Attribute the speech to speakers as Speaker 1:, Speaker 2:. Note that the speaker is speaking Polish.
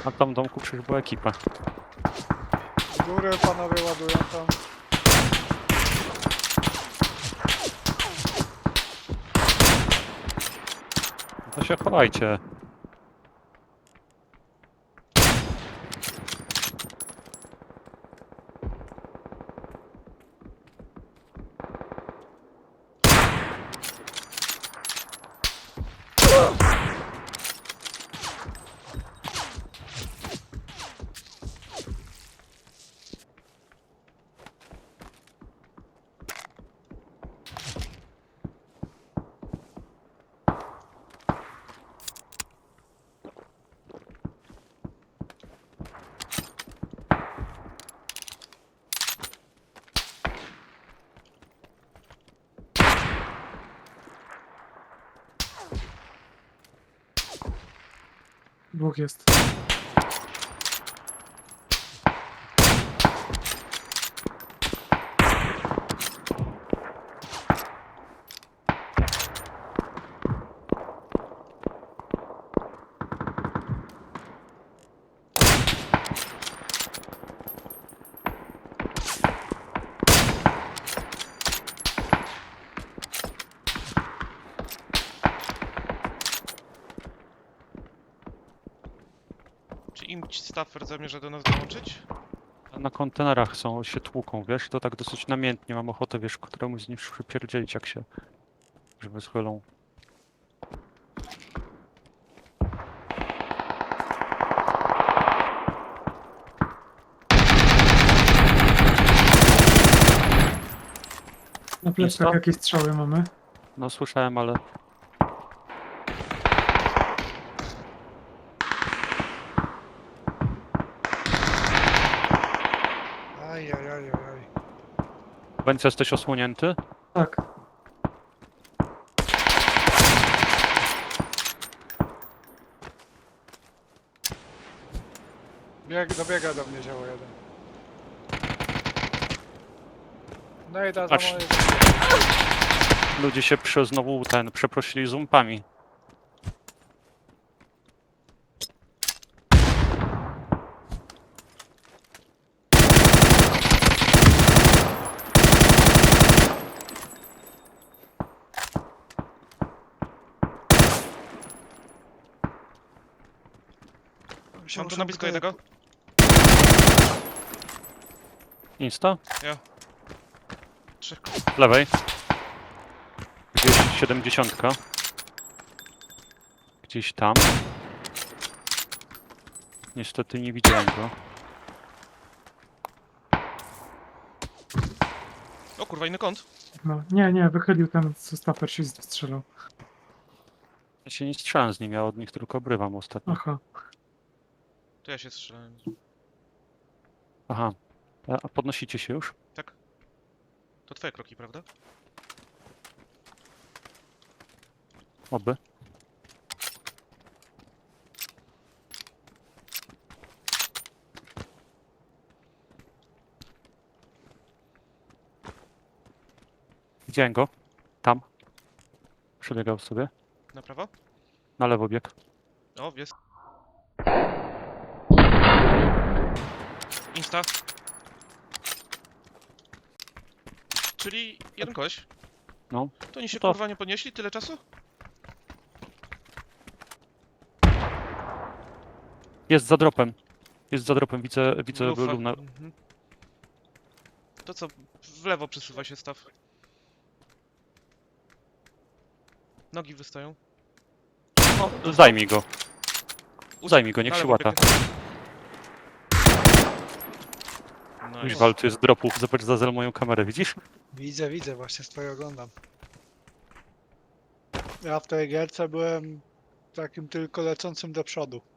Speaker 1: A tam w domku przecież była ekipa.
Speaker 2: Z góry panowie ładują tam.
Speaker 1: To się chowajcie.
Speaker 3: Dwóch jest.
Speaker 4: Czy im Staffer zamierza do nas dołączyć?
Speaker 1: Na kontenerach są, się tłuką, wiesz? To tak dosyć namiętnie. Mam ochotę, wiesz, któremuś z nich przypierdzielić, jak się... żeby schylą.
Speaker 3: Na plecach
Speaker 1: co?
Speaker 3: jakieś strzały mamy.
Speaker 1: No słyszałem, ale...
Speaker 2: Ajajajajaj.
Speaker 1: Będzie jesteś osłonięty?
Speaker 3: Tak.
Speaker 2: Dobiega do mnie zioło jeden. No i da za
Speaker 1: Patrz.
Speaker 2: moje...
Speaker 1: Ludzie się znowu przeprosili zumpami.
Speaker 4: Mam tu na blisko jednego.
Speaker 1: Insta?
Speaker 4: Trzech.
Speaker 1: Lewej. Gdzieś 70. Gdzieś tam. Niestety nie widziałem go.
Speaker 4: O kurwa, inny kąt.
Speaker 3: No. Nie, wychylił ten, co Staffer się strzelał.
Speaker 1: Ja się nie strzelam z nim, ja od nich tylko obrywam ostatnio.
Speaker 3: Aha.
Speaker 4: To ja się strzelałem.
Speaker 1: Aha. A podnosicie się już?
Speaker 4: Tak? To twoje kroki, prawda?
Speaker 1: Oby. Widziałem go. Tam. Przebiegał sobie.
Speaker 4: Na prawo?
Speaker 1: Na lewo bieg.
Speaker 4: O, jest. Insta. Czyli jeden koleś.
Speaker 1: No.
Speaker 4: To oni się
Speaker 1: To-
Speaker 4: kurwa nie podnieśli tyle czasu?
Speaker 1: Jest za dropem. Jest za dropem. Widzę
Speaker 4: Lufa.
Speaker 1: Luna.
Speaker 4: Mhm. To co? W lewo przesuwa się staw. Nogi wystają.
Speaker 1: No, zajmij go. Zajmij go, niech
Speaker 4: Na
Speaker 1: się
Speaker 4: lewo
Speaker 1: łata.
Speaker 4: biegnie. Nice.
Speaker 1: Kuźwa, tu jest dropów. Zobacz za moją kamerę, widzisz?
Speaker 2: Widzę, właśnie swoje oglądam. Ja w tej gierce byłem takim tylko lecącym do przodu.